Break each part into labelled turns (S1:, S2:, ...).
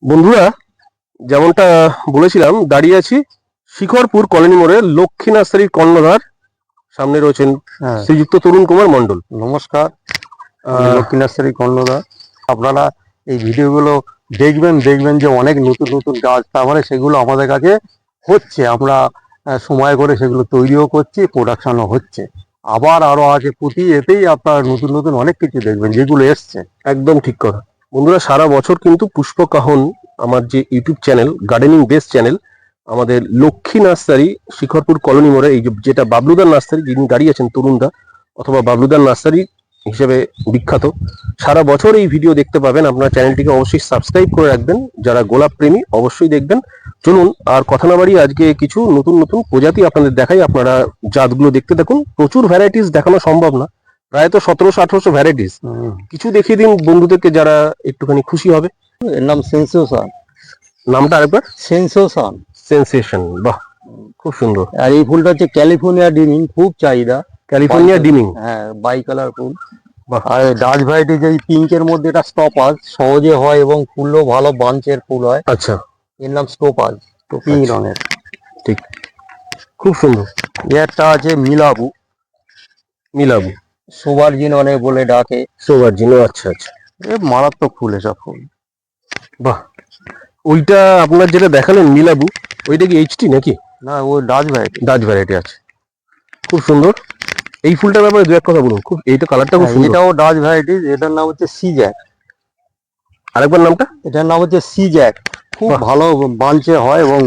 S1: বন্ধুরা, যেমনটা বলেছিলাম, দাঁড়িয়ে আছি শিখরপুর কলোনি মোড়ে লক্ষ্মী নার্সারির কর্ণধার। সামনে রয়েছেন
S2: হ্যাঁ,
S1: শ্রীযুক্ত তরুণ কুমার মণ্ডল।
S2: নমস্কার। আমি লক্ষ্মী নার্সারি কর্ণধার। আপনারা এই ভিডিওগুলো দেখবেন দেখবেন যে অনেক নতুন নতুন গাছ, তারপরে সেগুলো আমাদের কাছে হচ্ছে। আমরা সময় করে সেগুলো তৈরিও করছি, প্রোডাকশনও হচ্ছে। আবার আরো আছে, প্রতি এতেই আপনারা নতুন নতুন অনেক কিছু দেখবেন যেগুলো এসছে।
S1: একদম ঠিক কথা। বন্ধুরা, সারা বছর কিন্তু পুষ্পকাহন, আমার যে YouTube channel, gardening base channel, আমাদের লক্ষ্মী নার্সারি শিখরপুর কলোনি মোড়ে, এই যেটা বাবলুদার নার্সারি, যিনি দাঁড়িয়ে আছেন তরুণদা, অথবা বাবলুদার নার্সারি হিসেবে বিখ্যাত, সারা বছর এই ভিডিও দেখতে পাবেন। আপনার চ্যানেলটিকে অবশ্যই সাবস্ক্রাইব করে রাখবেন। যারা গোলাপ প্রেমী অবশ্যই দেখবেন। চলুন আর কথা না বাড়িয়ে আজকে কিছু নতুন নতুন প্রজাতি আপনাদের দেখাই। আপনারা জাতগুলো দেখতে থাকুন। প্রচুর ভ্যারাইটিস দেখানো সম্ভব না, প্রায় তো 1700-1800 ভ্যারাইটিস। কিছু দেখিয়ে দিন বন্ধুদেরকে, যারা একটুখানি খুশি হবে।
S2: এর নাম সেন্সেশন।
S1: নামটা আরেকবার।
S2: সেন্সেশন।
S1: সেন্সেশন, বাহ, খুব সুন্দর।
S2: আর এই ফুলটা হচ্ছে ক্যালিফোর্নিয়া ডিমিং, খুব চাহিদা।
S1: ক্যালিফোর্নিয়া ডিমিং,
S2: হ্যাঁ, বাই কালার ফুল।
S1: বাহ।
S2: আর ডাচ ভ্যারাইটি যে পিঙ্কের মধ্যে এটা স্টপাজ, সহজে হয় এবং ফুলও ভালো বাঞ্চের ফুল হয়।
S1: আচ্ছা,
S2: এর নাম স্টোপাজ, তো পিঙ্ক
S1: আচ্ছা,
S2: রঙের।
S1: ঠিক, খুব সুন্দর।
S2: একটা আছে মিলাবু।
S1: মিলাবু,
S2: সোবার্জিন অনেক বলে ডাকে।
S1: সোভার্জিনো, আচ্ছা আচ্ছা,
S2: এ মারাত্মক ফুল এসব ফুল।
S1: বাহ। ওইটা আপনার যেটা দেখালেন মিলাবু, ওইটা কি এইচটি নাকি?
S2: না, ও ডাচ ভ্যারাইটি।
S1: ডাচ ভ্যারাইটি আছে, খুব সুন্দর। এই ফুলটার ব্যাপারে দু এক কথা বলুন। খুব, এইটা কালারটা খুব সুন্দর।
S2: এটাও ডাচ ভ্যারাইটি, এটার নাম হচ্ছে সিজ্যাক।
S1: আরেকবার নামটা।
S2: এটার নাম হচ্ছে সিজ্যাক। খুব
S1: বাহ।
S2: ভালো বাঞ্চে হয় এবং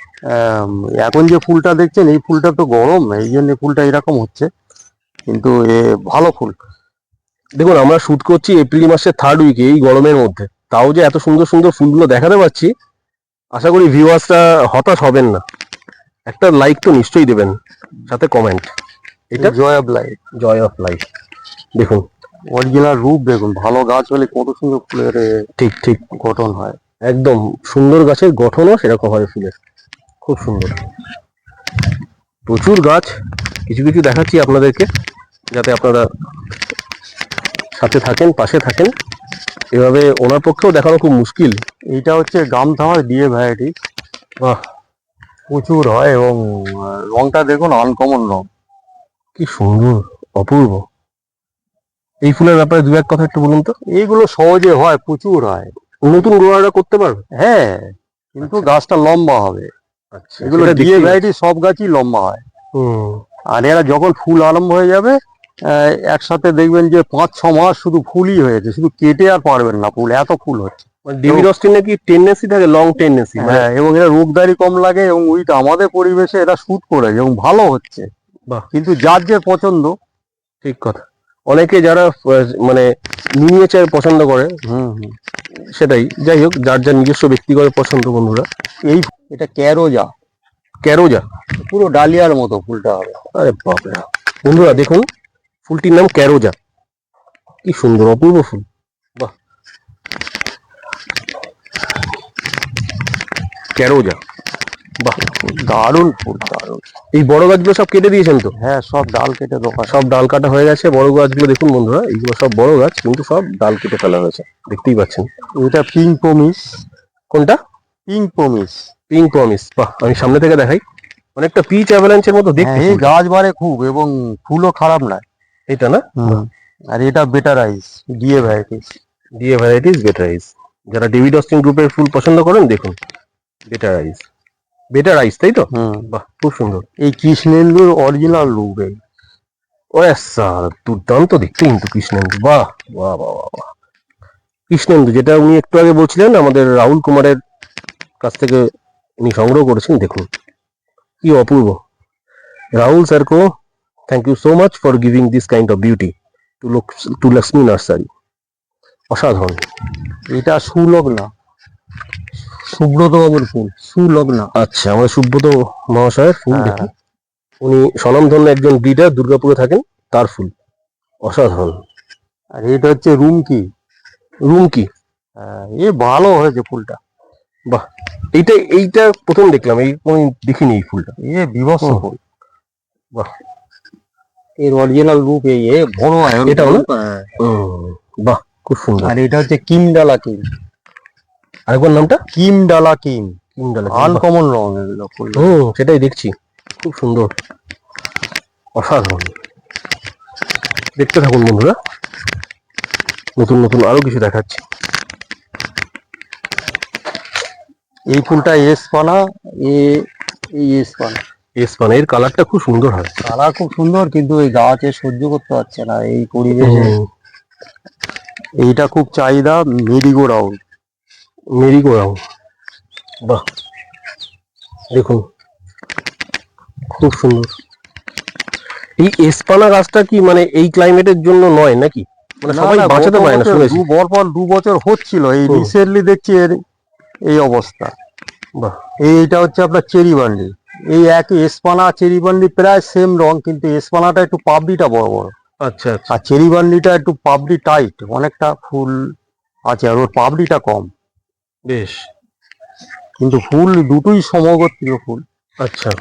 S2: এখন যে ফুলটা দেখছেন, এই ফুলটা তো গরম, এই জন্য ফুলটা এরকম হচ্ছে, কিন্তু এ ভালো ফুল।
S1: দেখুন, আমরা শুট করছি এপ্রিল মাসের থার্ড উইকে, এই গরমের মধ্যে, তাও যে এত সুন্দর সুন্দর ফুলগুলো দেখাতে পাচ্ছি। আশা করি ভিউয়ার্সরা হতাশ হবেন না। একটা লাইক তো নিশ্চয়ই দেবেন, সাথে কমেন্ট। এটা
S2: joy of life.
S1: Joy of life, দেখুন।
S2: অরিজিনাল রূপ দেখুন, ভালো গাছ হলে কত সুন্দর ফুলের
S1: ঠিক ঠিক,
S2: গঠন হয়।
S1: একদম সুন্দর গাছের গঠনও সেরকম হয় ফুলের, খুব সুন্দর। প্রচুর গাছ, কিছু কিছু দেখাচ্ছি আপনাদেরকে, যাতে আপনারা সাথে থাকেন, পাশে থাকেন। এভাবে ওনার পক্ষেও দেখানো খুব মুশকিল।
S2: এইটা হচ্ছে গামথামার ডিএ ভ্যারাইটি।
S1: বাহ,
S2: প্রচুর হয় এবং রংটা দেখুন আনকমন রং।
S1: কি সুন্দর, অপূর্ব। এই ফুলের ব্যাপারে দু এক কথা একটু বলুন তো।
S2: এইগুলো সহজে হয়, প্রচুর হয়।
S1: নতুন গ্রোয়াররা করতে পারবে?
S2: হ্যাঁ, কিন্তু গাছটা লম্বা হবে।
S1: আচ্ছা,
S2: এগুলো
S1: সেটা
S2: ডিএ
S1: দেখতেই
S2: ভ্যারাইটি, সব গাছই লম্বা হয়।
S1: হুম,
S2: আর এরা যখন ফুল আরম্ভ হয়ে যাবে, একসাথে দেখবেন যে 5-6 মাস শুধু ফুলই হয়েছে, শুধু কেটে আর পারবেন না, ফুল এত ফুল হচ্ছে।
S1: মানে ডেভিড অস্টিন নাকি টেন্ডেন্সি থাকে, লং টেন্ডেন্সি, মানে
S2: হ্যাঁ, এবং এরা রোগদারি কম লাগে এবং উইটা আমাদের পরিবেশে এরা শুট করে এবং ভালো হচ্ছে।
S1: বাহ,
S2: কিন্তু যার যে পছন্দ।
S1: ঠিক কথা। অনেকে যারা মানে মিনিয়েচার পছন্দ করে,
S2: হুম হুম।
S1: সেটাই। যাই হোক, যার যার নিজস্ব ব্যক্তিগত পছন্দ বন্ধুরা।
S2: এই এটা ক্যারোজা,
S1: ক্যারোজা,
S2: পুরো ডালিয়ার মতো ফুলটা হবে।
S1: আরে বাপরে। বন্ধুরা দেখুন, ফুলটির নাম ক্যারোজা। কি সুন্দর, অপূর্ব ফুল। বাহ, ক্যারোজা, বাহ,
S2: দারুণ ফুল, দারুণ।
S1: এই বড় গাছগুলো সব কেটে দিয়েছেন তো?
S2: হ্যাঁ, সব ডাল কেটে দোকান।
S1: সব ডাল কাটা হয়ে গেছে। বড় গাছগুলো দেখুন বন্ধুরা, এইগুলো সব বড় গাছ, কিন্তু সব ডাল কেটে ফেলা হয়েছে, দেখতেই পাচ্ছেন।
S2: এটা পিঙ্ক পমিস।
S1: কোনটা?
S2: পিঙ্ক পমিস।
S1: পিঙ্ক প্রমিস, বাহ। আমি সামনে থেকে দেখাই, অনেকটা পিচ অ্যাভালান্সের মতো দেখতে
S2: হ্যাঁ, এই
S1: ফুলটা।
S2: গাছ বাড়ে খুব এবং ফুলও খারাপ নয়।
S1: এটা না?
S2: আর এটা better eyes, DA varieties.
S1: DA varieties, better eyes. যারা ডেভিড অস্টিন গ্রুপের ফুল পছন্দ করেন, দেখুন, বেটার আইস। বেটার আইস, তাই তো? বাহ, খুব সুন্দর।
S2: এই কৃষ্ণেন্দুর অরিজিনাল রূপ এই।
S1: ওরে স্যার, দুর্দান্ত দেখতে কিন্তু কৃষ্ণেন্দু, বাহ বাহ বাহ বাহ বাহ। কৃষ্ণেন্দু, যেটা উনি একটু আগে বলছিলেন, আমাদের রাহুল কুমারের কাছ থেকে উনি সংগ্রহ করেছেন, দেখুন কি অপূর্ব। রাহুল স্যারকো thank you so much for giving this kind of beauty to Lakshmi nursery. অসাধারণ।
S2: এটা সুলগ্না, সুব্রত বাবুর ফুল, সুলগ্না।
S1: আচ্ছা, আমাদের সুব্রত মহাশয়ের ফুল,
S2: হ্যাঁ।
S1: দেখুন। উনি স্বনামধন্য একজন ব্রিডার, দুর্গাপুরে থাকেন, তার ফুল অসাধারণ।
S2: আর এটা হচ্ছে রুমকি।
S1: রুমকি,
S2: এ ভালো হয়েছে ফুলটা।
S1: বাহ। এইটা প্রথম দেখলাম, এই কোনদিন দেখিনি এই ফুলটা।
S2: এ বিভৎস
S1: হুম।
S2: ফুল।
S1: বাহ,
S2: এর অরিজিনাল রূপ এই, এ বড় হয়।
S1: এটাও না? বাহ, খুব সুন্দর।
S2: আর এটা হচ্ছে কিমডালা কিং।
S1: আরেকবার নামটা?
S2: কিম ডালা কিম।
S1: কিংডালা।
S2: আনকমন রং এগুলো ফুল।
S1: সেটাই দেখছি, খুব সুন্দর, অসাধারণ। দেখতে থাকুন বন্ধুরা, নতুন নতুন আরো কিছু দেখাচ্ছি।
S2: এই ফুলটা এসপানা, এই এসপানা।
S1: এসপান এর কালারটা খুব সুন্দর হয়।
S2: কালার খুব সুন্দর, কিন্তু এই গাছে সহ্য করতে পারছে না এই পরিবেশে। এইটা খুব চাহিদা। Merry go round.
S1: মেরিগো রাউন্ড, বাহ দেখুন খুব সুন্দর। এই এসপানা গাছটা কি মানে এই ক্লাইমেটের জন্য নয় নাকি? মানে সবাই বাঁচাতে পারে না শুনেছি।
S2: পর 2 বছর হচ্ছিল, এই রিসেন্টলি দেখছি এর এই অবস্থা।
S1: বাহ।
S2: এইটা হচ্ছে আপনার চেরি বান্ডি। এই একই এসপানা চেরি বান্ডি প্রায় সেম রং, কিন্তু এসপানাটা একটু পাপড়িটা বড় বড়,
S1: আচ্ছা আচ্ছা।
S2: আর চেরি বান্ডিটা একটু পাপড়ি টাইট, অনেকটা ফুল আছে আর ওর পাপড়িটা কম।
S1: বেশ।
S2: কিন্তু ফুল দুটোই সমগোত্রীয় ফুল।
S1: আচ্ছা।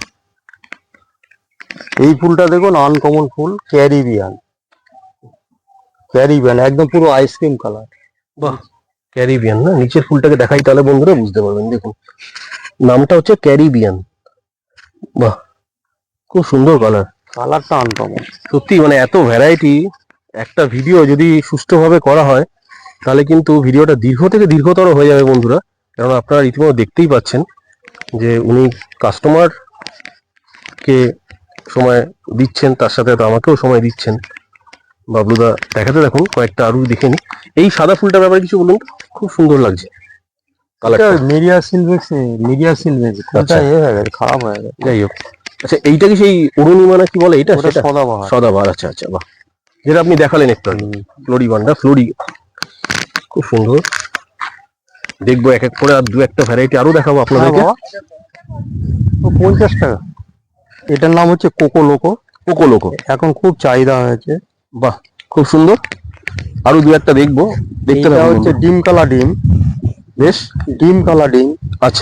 S2: এই ফুলটা দেখুন আনকমন ফুল, ক্যারিবিয়ান। ক্যারিবিয়ান একদম পুরো আইসক্রিম কালার।
S1: বাহ, ক্যারিবিয়ান না? নিচের ফুলটাকে দেখাই তাহলে বন্ধুরা বুঝতে পারবেন। দেখুন নামটা হচ্ছে ক্যারিবিয়ান। বাহ, খুব সুন্দর কালার।
S2: কালারটা আনকমন।
S1: সত্যি মানে এত ভ্যারাইটি, একটা ভিডিও যদি সুষ্ঠুভাবে করা হয় তাহলে কিন্তু ভিডিওটা দীর্ঘ থেকে দীর্ঘতর হয়ে যাবে বন্ধুরা। কারণ আপনারা রীতিমতো দেখতেই পাচ্ছেন যে উনি কাস্টমার কে সময় দিচ্ছেন, তার সাথে তো আমাকেও সময় দিচ্ছেন। বাবলুদা দেখাতে দেখুন কয়েকটা আরো দেখে নি। এই সাদা ফুলটার ব্যাপারে কিছু বলুন, খুব সুন্দর লাগছে কালারটা।
S2: মিডিয়া সিলভেক্স, মিডিয়া সিলভেক্স
S1: আচ্ছা।
S2: হয়ে গেছে, খারাপ হয়ে গেছে।
S1: যাই হোক, আচ্ছা এইটা কি সেই অরুণিমা না কি বলে এটা?
S2: ওটা
S1: সেটা
S2: সদাবাহার।
S1: সদাবাহার। আচ্ছা আচ্ছা, বাহ, যেটা আপনি দেখালেন একটু আগে, ফ্লোরিবান্ডা ফ্লোরি, খুব সুন্দর। দেখবো এক এক করে, আর দু একটা ভ্যারাইটি আরো দেখাবো আপনাদেরকে।
S2: 50 টাকা। এটার নাম হচ্ছে কোকো লোকো।
S1: কোকো লোকো,
S2: এখন খুব চাহিদা হয়েছে।
S1: বাহ খুব সুন্দর। আরো দু একটা দেখবো, দেখতে
S2: এটা
S1: থাকুন
S2: হচ্ছে
S1: বন্ধুরা।
S2: ডিম কালা ডিম।
S1: বেশ।
S2: ডিম কালা ডিম।
S1: আচ্ছা,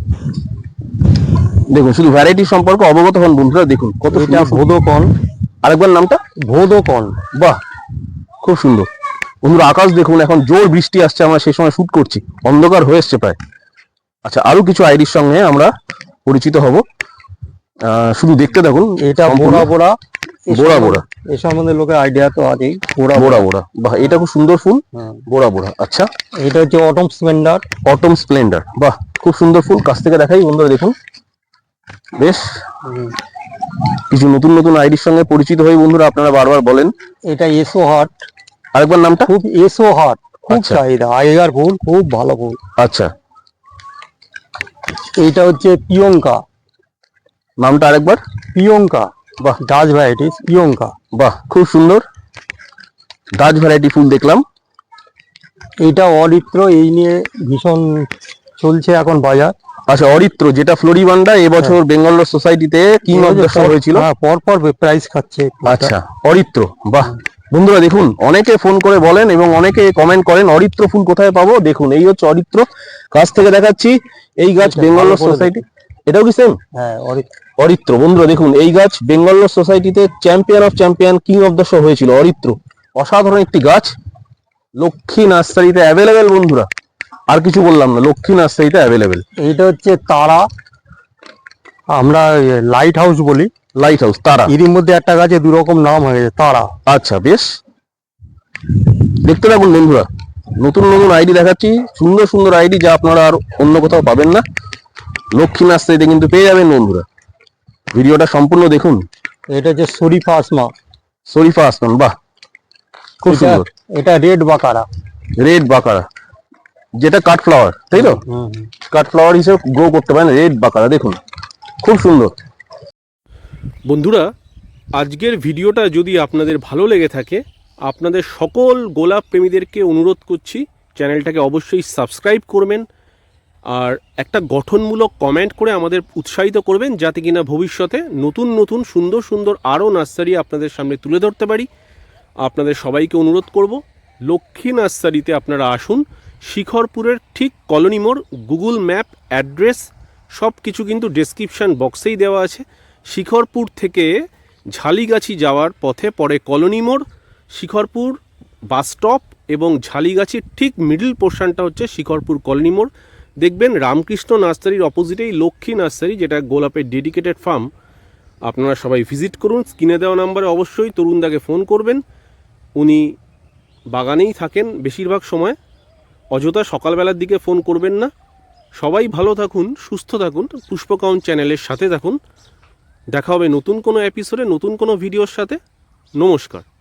S1: দেখুন শুধু ভ্যারাইটি সম্পর্কে অবগত হন বন্ধুরা। দেখুন কত
S2: এটা
S1: সুন্দর।
S2: ভোদকন।
S1: আরেকবার নামটা?
S2: ভোদকন।
S1: বাহ, খুব সুন্দর বন্ধুরা। আকাশ দেখুন, এখন জোর বৃষ্টি আসছে, আমরা সেই সময় শুট করছি, অন্ধকার হয়ে এসছে প্রায়। আচ্ছা, আরো কিছু আইডির সঙ্গে আমরা পরিচিত হব, শুধু দেখতে থাকুন।
S2: এটা
S1: সম্পূর্ণ
S2: বোড়া বোড়া।
S1: বোড়া বোড়া।
S2: এ সম্বন্ধে লোকের আইডিয়া তো আছেই। বোড়া
S1: বোড়া বোড়া, বাহ এটা খুব সুন্দর ফুল।
S2: হ্যাঁ।
S1: বোড়া বোড়া, আচ্ছা।
S2: এটা হচ্ছে অটম স্প্লেন্ডার।
S1: অটম স্প্লেন্ডার, বাহ খুব সুন্দর ফুল। কাছ থেকে দেখাই বন্ধুরা, দেখুন বেশ কিছু নতুন নতুন আইডির সঙ্গে পরিচিত হয়ে বন্ধুরা আপনারা বারবার বলেন।
S2: এটা এসো হার্ট।
S1: আরেকবার নামটা?
S2: খুব এসো হার্ট, খুব
S1: আচ্ছা।
S2: চাহিদা, আগেকার ফুল, খুব ভালো ফুল।
S1: আচ্ছা,
S2: এইটা হচ্ছে পিয়ঙ্কা।
S1: নামটা আরেকবার?
S2: পিয়ঙ্কা,
S1: বাহ
S2: ডাচ ভ্যারাইটিস পিয়ঙ্কা।
S1: বাহ খুব সুন্দর, ডাচ ভ্যারাইটি ফুল দেখলাম।
S2: এইটা অরিত্র, এই নিয়ে ভীষণ চলছে এখন বাজার।
S1: আচ্ছা, অরিত্র যেটা ফ্লোরিবান্ডা এবছর বেঙ্গল সোসাইটিতে কিং অফ দ্য শো হয়েছিল।
S2: হ্যাঁ, পর পর প্রাইজ খাচ্ছে।
S1: আচ্ছা, অরিত্র, বাহ বন্ধুরা দেখুন, অনেকে ফোন করে বলেন এবং অনেকে কমেন্ট করেন অরিত্র ফুল কোথায় পাবো। দেখুন এই হচ্ছে অরিত্র, কাছ থেকে দেখাচ্ছি। এই গাছ বেঙ্গল সোসাইটি, এটাও কি সেম?
S2: হ্যাঁ,
S1: অরিত্র বন্ধুরা দেখুন, এই গাছ বেঙ্গল সোসাইটিতে champion of champion, king of the show হয়েছিল অরিত্র। অসাধারণ একটি গাছ, লক্ষ্মী নার্সারিতে অ্যাভেলেবেল বন্ধুরা। আর কিছু বললাম না, লক্ষ্মী নার্সারিতে অ্যাভেলেবেল।
S2: এইটা হচ্ছে তারা, আমরা লাইট হাউস বলি।
S1: লাইট হাউস, তারা।
S2: এরই মধ্যে একটা গাছে 2 রকম নাম হয়ে গেছে, তারা।
S1: আচ্ছা বেশ, দেখতে থাকুন বন্ধুরা, নতুন নতুন আইডি দেখাচ্ছি, সুন্দর সুন্দর আইডি যা আপনারা আর অন্য কোথাও পাবেন না, লক্ষ্মী নার্সারিতে কিন্তু পেয়ে যাবেন বন্ধুরা। ভিডিওটা সম্পূর্ণ দেখুন।
S2: এটা হচ্ছে শরীফা আসমা।
S1: শরীফা আসমান, বাহ খুব সুন্দর।
S2: এটা রেড বাকারা।
S1: রেড বাকারা, যেটা কাট ফ্লাওয়ার, তাই তো? কাট ফ্লাওয়ার হিসেবে গ্রো করতে পারেন রেড বাকারা, দেখুন খুব সুন্দর। বন্ধুরা, আজকের ভিডিওটা যদি আপনাদের ভালো লেগে থাকে, আপনাদের সকল গোলাপ প্রেমীদেরকে অনুরোধ করছি চ্যানেলটাকে অবশ্যই সাবস্ক্রাইব করবেন, আর একটা গঠনমূলক কমেন্ট করে আমাদের উৎসাহিত করবেন, যাতে কিনা ভবিষ্যতে নতুন নতুন সুন্দর সুন্দর আরও নার্সারি আপনাদের সামনে তুলে ধরতে পারি। আপনাদের সবাইকে অনুরোধ করব, লক্ষ্মী নার্সারিতে আপনারা আসুন। শিখরপুরের ঠিক কলোনি মোড়, গুগল ম্যাপ অ্যাড্রেস সব কিছু কিন্তু ডেসক্রিপশান বক্সেই দেওয়া আছে। শিখরপুর থেকে ঝালিগাছি যাওয়ার পথে পরে কলোনি মোড়, শিখরপুর বাস স্টপ এবং ঝালিগাছির ঠিক মিডল পোর্শনটা হচ্ছে শিখরপুর কলোনি মোড়। দেখবেন রামকৃষ্ণ নার্সারির অপোজিটেই লক্ষ্মী নার্সারি, যেটা গোলাপের ডেডিকেটেড ফার্ম। আপনারা সবাই ভিজিট করুন। স্ক্রিনে দেওয়া নাম্বারে অবশ্যই তরুণদাকে ফোন করবেন। উনি বাগানেই থাকেন বেশিরভাগ সময়। অযথা সকালবেলার দিকে ফোন করবেন না। সবাই ভালো থাকুন, সুস্থ থাকুন, পুষ্পকাউন চ্যানেলের সাথে থাকুন। দেখা হবে নতুন কোনো এপিসোডে, নতুন কোনো ভিডিওর সাথে। নমস্কার।